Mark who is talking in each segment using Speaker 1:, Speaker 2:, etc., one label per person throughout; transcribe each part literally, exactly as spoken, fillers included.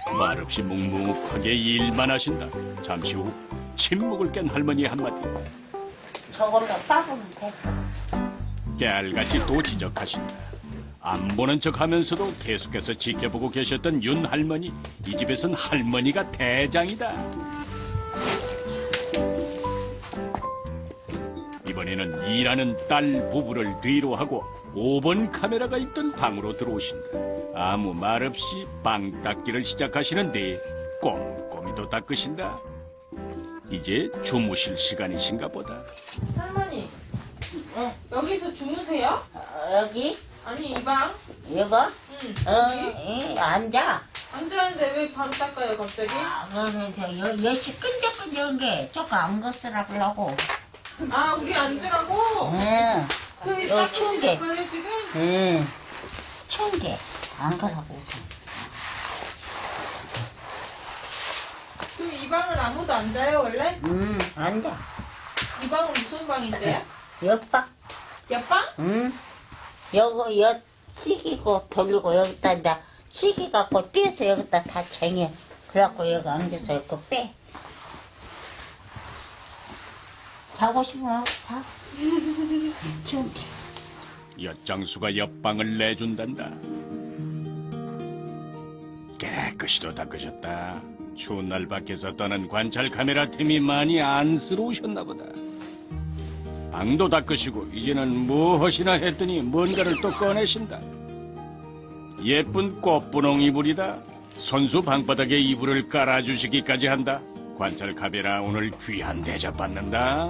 Speaker 1: 말없이 묵묵하게 일만 하신다. 잠시 후 침묵을 깬 할머니 한마디.
Speaker 2: 저걸로 싸보면 돼.
Speaker 1: 깨알같이 또 지적하신다. 안 보는 척하면서도 계속해서 지켜보고 계셨던 윤 할머니. 이 집에선 할머니가 대장이다. 이번에는 일하는 딸 부부를 뒤로 하고 오 번 카메라가 있던 방으로 들어오신다. 아무 말 없이 빵 닦기를 시작하시는데 꼼꼼히도 닦으신다. 이제 주무실 시간이신가 보다.
Speaker 3: 할머니,
Speaker 2: 응.
Speaker 3: 여기서 주무세요?
Speaker 2: 어, 여기?
Speaker 3: 아니, 이 방?
Speaker 2: 이거?
Speaker 3: 응.
Speaker 2: 어,
Speaker 3: 여기?
Speaker 2: 이, 앉아.
Speaker 3: 앉았는데 왜 방 닦아요, 갑자기?
Speaker 2: 아, 그러면 저, 여, 여시 끈적끈적한 게 조금 안 거쓰라고.
Speaker 3: 아, 우리 앉으라고?
Speaker 2: 응.
Speaker 3: 그럼
Speaker 2: 여기 추운 게.
Speaker 3: 닦아주실 거예요, 지금?
Speaker 2: 응. 추운 게. 안 가라고 우선.
Speaker 3: 그럼 이 방은 아무도 안 자요, 원래?
Speaker 2: 응, 앉아.
Speaker 3: 이 방은 무슨 방인데요?
Speaker 2: 옆방?
Speaker 3: 옆방?
Speaker 2: 응. 여기, 여, 시기고 돌리고 여기다 이제 시기 갖고 떼서 여기다 다 쟁여. 그래갖고 여기 앉아서 이렇게 빼. 자고 싶으면 자. 추운데.
Speaker 1: 엿장수가 옆방을 내준단다. 깨끗이도 닦으셨다. 추운 날 밖에서 떠난 관찰 카메라 틈이 많이 안쓰러우셨나 보다. 방도 닦으시고 이제는 무엇이나 했더니 뭔가를 또 꺼내신다. 예쁜 꽃분홍 이불이다. 손수 방바닥에 이불을 깔아주시기까지 한다. 관찰 카메라 오늘 귀한 대접 받는다.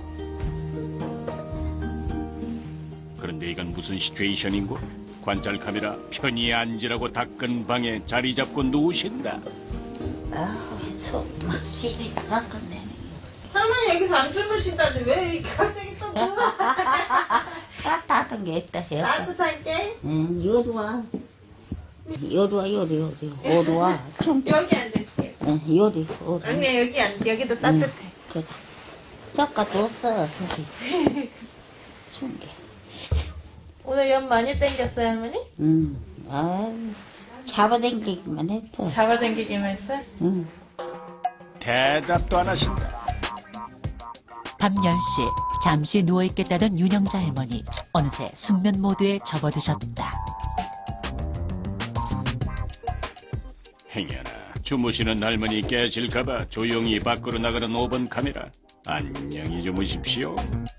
Speaker 1: 그런데 이건 무슨 시츄에이션인고? 관찰 카메라 편히 앉으라고 닦은 방에 자리 잡고 누우신다.
Speaker 2: 아우, 속막 시기 닦았네.
Speaker 3: 할머니 여기서 안 주무신다는데 왜 이렇게 갑자기 또 누워?
Speaker 2: 따뜻한 게 있다 해요.
Speaker 3: 따뜻하게?
Speaker 2: 응, 요리 와. 요리 와, 요리, 요리. 요리 와. 좀,
Speaker 3: 여기 앉으세요.
Speaker 2: 응, 요리, 요리.
Speaker 3: 아니, 여기 앉, 여기도 따뜻해.
Speaker 2: 응, 그래. 저까도 없어, 저기. 추운 게.
Speaker 3: 오늘 연 많이 땡겼어요, 할머니?
Speaker 2: 응, 아유, 잡아당기기만 했어.
Speaker 3: 잡아당기기만 했어요?
Speaker 2: 응.
Speaker 1: 대답도 안 하신다.
Speaker 4: 밤 열 시 잠시 누워있겠다던 윤영자 할머니 어느새 숙면 모드에 접어드셨다.
Speaker 1: 행여나 주무시는 할머니 깨실까봐 조용히 밖으로 나가는 오 번 카메라. 안녕히 주무십시오.